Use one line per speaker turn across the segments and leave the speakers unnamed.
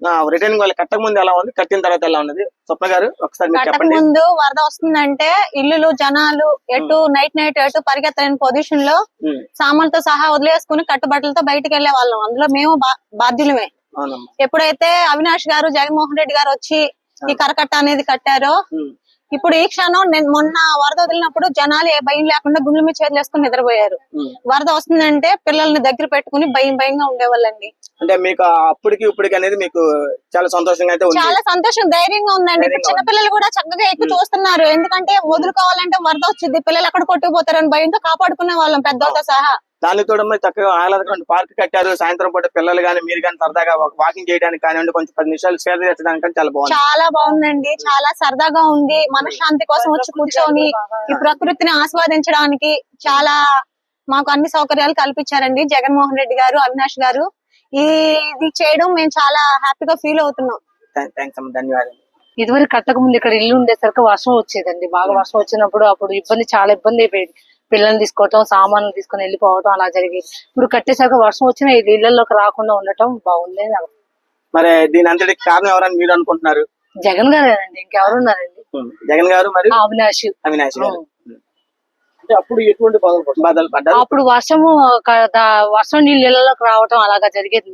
Returning వాళ్ళు కట్టక ముందు ఎలా ఉంది, కట్టిన తర్వాత ఎలా ఉన్నది స్వప్న గారు ఒకసారి మీరు
కట్టక
చెప్పండి.
ముందు వరద వస్తుందంటే ఇల్లులు జనాలు ఎటు నైట్ ఎటు పరిగెత్తలేని పొజిషన్ లో సామాన్లతో సహా వదిలేసుకుని కట్టుబట్టలతో బయటకు వెళ్లే వాళ్ళం. అందులో మేము బాధ్యులమే. ఎప్పుడైతే అవినాష్ గారు జగన్మోహన్ రెడ్డి గారు వచ్చి ఈ కరకట్ట అనేది కట్టారో, ఇప్పుడు ఈ క్షణం మొన్న వరద వదిలినప్పుడు జనాలు ఏ భయం లేకుండా గుండెల మీద చేతులు వేసుకుని నిద్రపోయారు. వరద వస్తుందంటే పిల్లల్ని దగ్గర పెట్టుకుని భయంగా ఉండేవాళ్ళండి.
అంటే మీకు అప్పటికి ఇప్పటికి అనేది మీకు చాలా సంతోషంగా అయితే ఉంది?
చాలా సంతోషం, ధైర్యంగా ఉందండి. చిన్నపిల్లలు కూడా చక్కగా ఎక్కువ చూస్తున్నారు. ఎందుకంటే వదులుకోవాలంటే వరద వచ్చింది, పిల్లలు ఎక్కడ కొట్టుకుపోతారని భయంతో కాపాడుకునే వాళ్ళం పెద్దలతో సహా.
దానితో చక్కగా ఆహ్లాదకరమైన పార్క్ కట్టారు. సాయంత్రం పూట పిల్లలు గానీ మీరు కానీ సరదాగా వాకింగ్ చేయడానికి కానివ్వండి, కొంచెం 10 నిమిషాలు సేద తీర్చడానికి చాలా బాగుంది.
చాలా బాగుందండి, చాలా సరదాగా ఉంది. మనశ్శాంతి కోసం వచ్చి కూర్చొని ఈ ప్రకృతిని ఆస్వాదించడానికి చాలా మాకు అన్ని సౌకర్యాలు కల్పించారండి జగన్మోహన్ రెడ్డి గారు, అవినాష్ గారు. ఇది చేయడం మేము చాలా హ్యాపీగా ఫీల్ అవుతున్నాం.
ధన్యవాదాలు.
ఇదివరకు కట్టక ముందు ఇక్కడ ఇల్లు ఉండేసరికి వర్షం వచ్చేదండి. బాగా వర్షం వచ్చినప్పుడు అప్పుడు చాలా ఇబ్బంది అయిపోయింది. పిల్లల్ని తీసుకోవటం, సామాన్లు తీసుకుని వెళ్ళిపోవటం అలా జరిగేది. ఇప్పుడు కట్టేసరికి వర్షం వచ్చినా ఇళ్లలోకి రాకుండా ఉండటం బాగుంది.
మరి దీని అంతటికి కారణం ఎవరని మీరు అనుకుంటున్నారు?
జగన్ గారేనండి, ఇంకెవరున్నారండి?
జగన్ గారు మరి
అవినాష్
గారు. అప్పుడు ఎటువంటి బాధలు పడ్డారు?
అప్పుడు వర్షం నీళ్ళు ఇళ్లలోకి రావటం అలాగా జరిగేది.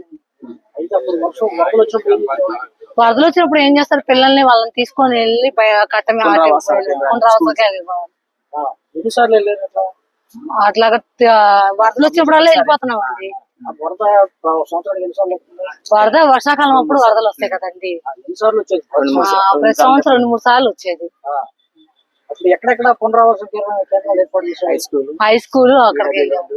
వరదలు వచ్చినప్పుడు ఏం చేస్తారు, పిల్లల్ని వాళ్ళని తీసుకొని వెళ్ళి కట్ట అట్లాగా వరదలు వచ్చినప్పుడల్లా వెళ్ళిపోతున్నాం అండి. వరద వర్షాకాలం అప్పుడు వరదలు వస్తాయి కదండి. ప్రతి సంవత్సరం 2-3 సార్లు వచ్చేది.
ఎక్కడెక్కడ పునరావాస కేంద్రాలు ఏర్పాటు చేశారు?
హై స్కూల్ అక్కడికి వెళ్ళాము,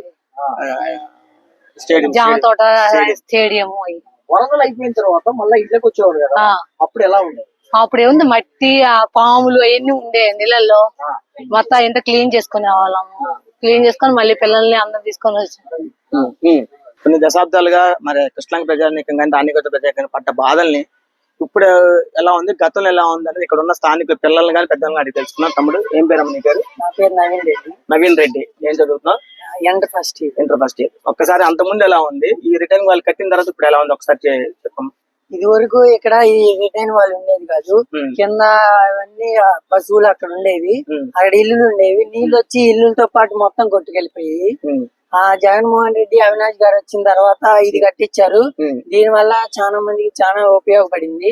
జామ తోట, స్టేడియం.
వరదలు అయిపోయిన తర్వాత మళ్ళీ ఇంట్లోకి వచ్చేవారు కదా, అప్పుడు ఎలా ఉండేది?
అప్పుడు ఏముంది, మట్టి పాములు అవన్నీ ఉండే నీళ్ళల్లో. మొత్తం ఇంత క్లీన్ చేసుకునే వాళ్ళము. క్లీన్ చేసుకొని మళ్ళీ పిల్లల్ని అందరం తీసుకొని వచ్చాం.
కొన్ని దశాబ్దాలుగా మరి కృష్ణాంగ ప్రజానీకం కానీ దానిగత ప్రజానీకం పడ్డ బాధల్ని ఇప్పుడు ఎలా ఉంది, గతంలో ఎలా ఉంది అనేది ఇక్కడ ఉన్న స్థానిక పిల్లల్ని కానీ పెద్దలను అడిగి తెలుసుకున్నాం. తమ్ముడు ఏం పేరు అమ్మ నీ పేరు?
నా పేరు నవీన్ రెడ్డి.
నవీన్ రెడ్డి, ఏం చదువుతున్నావు?
Inter first year.
ఒక్కసారి అంత ముందు ఎలా ఉంది, ఈ రిటర్న్ వాళ్ళు కట్టిన తర్వాత ఇప్పుడు ఎలా ఉంది ఒకసారి చెప్పండి.
ఇది వరకు ఇక్కడ ఈ రిటైన్ వాళ్ళు ఉండేది కాదు. కింద అవన్నీ పశువులు అక్కడ ఉండేవి, అక్కడ ఇల్లులు ఉండేవి. నీళ్ళు వచ్చి ఇల్లులతో పాటు మొత్తం కొట్టుకెళ్ళిపోయి జగన్మోహన్ రెడ్డి, అవినాష్ గారు వచ్చిన తర్వాత ఇది కట్టించారు. దీని వల్ల చాలా మందికి చాలా ఉపయోగపడింది.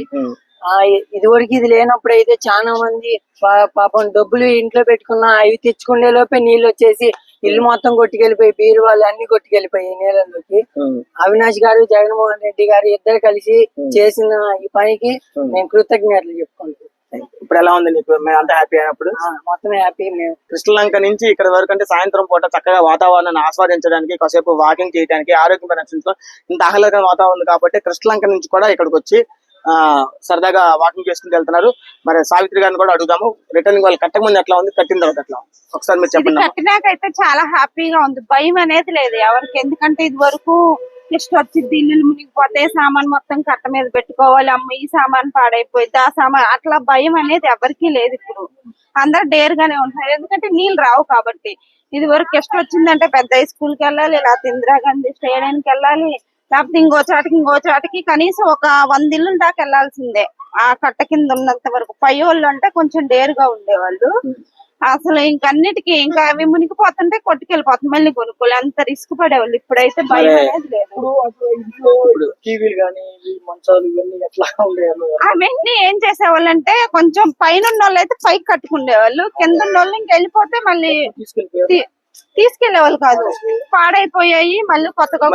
ఇదివరకు ఇది లేనప్పుడు అయితే చాలా మంది పాపం డబ్బులు ఇంట్లో పెట్టుకున్నా అవి తెచ్చుకునే లోపే నీళ్ళు వచ్చేసి ఇల్లు మొత్తం కొట్టుకెళ్ళిపోయి బీరువాళ్ళు అన్ని కొట్టుకెళ్ళిపోయి నీళ్ళలోకి. అవినాష్ గారు, జగన్మోహన్ రెడ్డి గారు ఇద్దరు కలిసి చేసిన ఈ పనికి మేము కృతజ్ఞతలు చెప్పుకుంటాం.
ఇప్పుడు ఎలా ఉంది నీకు? మేము అంతా హ్యాపీ అయినప్పుడు?
మొత్తం హ్యాపీ. మేము
కృష్ణలంక నుంచి ఇక్కడ వరకు అంటే సాయంత్రం పూట చక్కగా వాతావరణాన్ని ఆస్వాదించడానికి, కాసేపు వాకింగ్ చేయడానికి, ఆరోగ్యం రక్షించడం ఇంత ఆహ్లాదకరమైన వాతావరణం ఉంది కాబట్టి కృష్ణలంక నుంచి కూడా ఇక్కడికి వచ్చి సరదాగా వాకింగ్ చేసుకుని వెళ్తున్నారు. మరి సావిత్రి గారిని కూడా అడుగుదాము, రిటర్నింగ్ వాళ్ళు కట్టక ముందు ఎట్లా ఉంది, కట్టిన తర్వాత ఎట్లా ఉంది ఒకసారి మీరు చెప్పండి.
కట్టినాకైతే చాలా హ్యాపీగా ఉంది, భయం అనేది లేదు ఎవరికి. ఎందుకంటే ఇది వరకు జస్ట్ వచ్చింది ఇల్లు మునిగిపోతే సామాన్ మొత్తం కట్ట మీద పెట్టుకోవాలి, అమ్మ ఈ సామాన్ పాడైపోయింది ఆ సామాన్, అట్లా భయం అనేది ఎవరికీ లేదు. ఇప్పుడు అందరు డేర్ గానే ఉంటున్నారు, ఎందుకంటే నీళ్ళు రావు కాబట్టి. ఇది వరకు గెస్ట్ వచ్చిందంటే పెద్ద స్కూల్ కి వెళ్ళాలి, లేకపోతే ఇందిరాగాంధీ స్టేడియానికి వెళ్ళాలి, లేకపోతే ఇంకో చాటికి కనీసం ఒక 100 ఇళ్ళ దాకా వెళ్లాల్సిందే ఆ కట్ట కింద ఉన్నంత వరకు. పై వాళ్ళు అంటే కొంచెం డేర్ గా ఉండేవాళ్ళు. అసలు ఇంకన్నిటికీ ఇంకా అవి మునిగిపోతుంటే కొట్టుకెళ్ళిపోతుంది, మళ్ళీ కొనుక్కోవాలి, అంత రిస్క్ పడేవాళ్ళు. ఇప్పుడైతే భయం అనేది లేదు. అవన్నీ ఏం చేసేవాళ్ళు అంటే కొంచెం పైన ఉన్న వాళ్ళు అయితే పైకి కట్టుకునేవాళ్ళు, కింద ఉన్న వాళ్ళు ఇంక వెళ్ళిపోతే మళ్ళీ తీసుకెళ్లేవాళ్ళు కాదు, పాడైపోయాయి మళ్ళీ కొత్తగా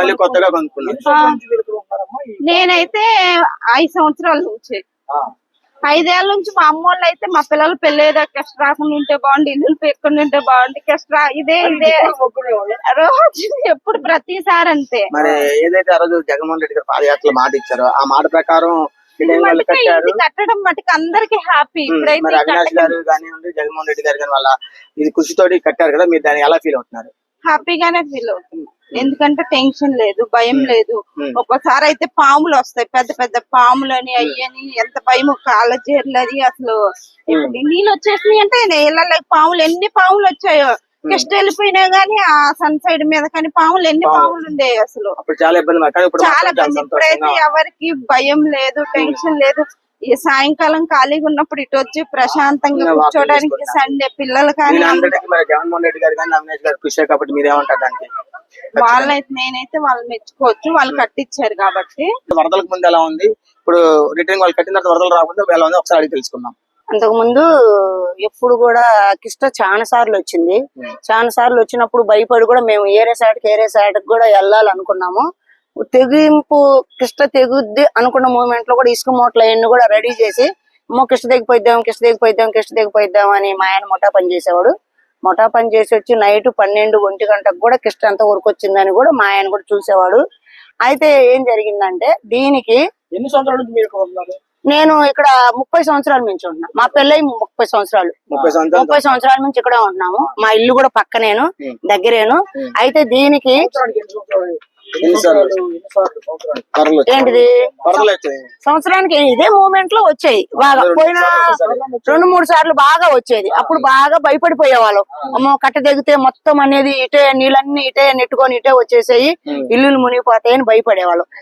నేనైతే 5 సంవత్సరాల నుంచి 5 ఏళ్ల నుంచి మా అమ్మ వాళ్ళు అయితే మా పిల్లలు పెళ్ళేదా కెస్ట్ రాకుండా ఉంటే బాగుండి, ఇల్లు పెట్టుకుని ఉంటే బాగుండి, కెస్ట్ ఇదే రోజు ఎప్పుడు ప్రతిసారి అంతే.
మరి ఏదైతే ఆ రోజు జగన్మోహన్ రెడ్డి గారు పాదయాత్రలో మాట ఇచ్చారో ఆ మాట ప్రకారం
కట్టడం మటుకు అందరికి హ్యాపీ.
ఇప్పుడైతే అవినాష్ గారు కానివ్వండి, జగన్మోహన్ రెడ్డి గారు కానీ వాళ్ళ ఇది కృషితోటి కట్టారు కదా, మీరు దాన్ని ఎలా ఫీల్ అవుతున్నారు?
హ్యాపీగానే ఫీల్ అవుతుంది, ఎందుకంటే టెన్షన్ లేదు, భయం లేదు. ఒక్కోసారి అయితే పాములు వస్తాయి, పెద్ద పెద్ద పాములు అని అయ్యని ఎంత భయం, కాళ్ళ జీర్లు అది. అసలు ఇప్పుడు నీళ్ళు వచ్చేసినాయి అంటే ఇళ్ళ పాములు ఎన్ని పాములు వచ్చాయో. కిష్ట వెళ్ళిపోయినా గానీ ఆ సన్ సైడ్ మీద కానీ పాములు ఎన్ని పాములు ఉండేవి అసలు
అప్పుడు చాలా ఇబ్బంది కానీ ఇప్పుడు
చాలా
మాత్రం చాలా
ఇబ్బంది. ఇప్పుడైతే
సంతోషంగా
ఎవరికి భయం లేదు, టెన్షన్ లేదు. ఈ సాయంకాలం ఖాళీగా ఉన్నప్పుడు ఇటు వచ్చి ప్రశాంతంగా
ఇంకా walking
కూర్చోడానికి
చేసుకుంటా.
సండే పిల్లలు కానీ
నేను అందరికీ మరి జగన్మోహన్ రెడ్డి గారు కానీ అవినేష్ గారు కృషి కాబట్టి మీరేమంటారు దానికి?
నేనైతే వాళ్ళు మెచ్చుకోవచ్చు, వాళ్ళు కట్టించారు కాబట్టి.
వరదలకు ముందు ఎలా ఉంది, ఇప్పుడు రిటర్న్ వాళ్ళు కట్టిన తర్వాత వరదలు రాకుండా ఎలా ఉంది ఒకసారి అడిగి తెలుసుకుందాం.
అంతకు ముందు ఎప్పుడు కూడా కిష్ట చాలా సార్లు వచ్చింది. చాలా సార్లు వచ్చినప్పుడు భయపడి కూడా మేము ఏరే సైడ్కి కూడా వెళ్ళాలనుకున్నాము. తెగింపు కిష్ట తెగుద్ది అనుకున్న మూమెంట్ లో కూడా ఇసుక మూటలు అవన్నీ కూడా రెడీ చేసి కిష్ట తెగిపోయిద్దాం అని మా ఆయన ముఠా పని చేసేవాడు. ముఠా పని చేసి వచ్చి నైట్ 12-1 గంటకు కూడా కిష్ట అంతా ఉరికొచ్చిందని కూడా మా ఆయన కూడా చూసేవాడు. అయితే ఏం జరిగిందంటే దీనికి
ఎన్ని సంవత్సరాల నుంచి మీరు ఉన్నారు?
నేను ఇక్కడ 30 సంవత్సరాల నుంచి ఉంటున్నా. మా పెళ్ళై 30 సంవత్సరాలు 30 సంవత్సరాల నుంచి ఇక్కడే ఉంటున్నాము. మా ఇల్లు కూడా పక్కనేను, దగ్గరేను. అయితే దీనికి ఏంటిది సంవత్సరానికి ఇదే మూమెంట్ లో వచ్చాయి బాగా. పోయిన 2-3 సార్లు బాగా వచ్చేది. అప్పుడు బాగా భయపడిపోయేవాళ్ళం. అమ్మో కట్ట దిగితే మొత్తం అనేది ఇటే నీళ్ళన్నీ ఇటే నెట్టుకొని ఇటే వచ్చేసాయి, ఇల్లులు మునిగిపోతాయని భయపడేవాళ్ళం.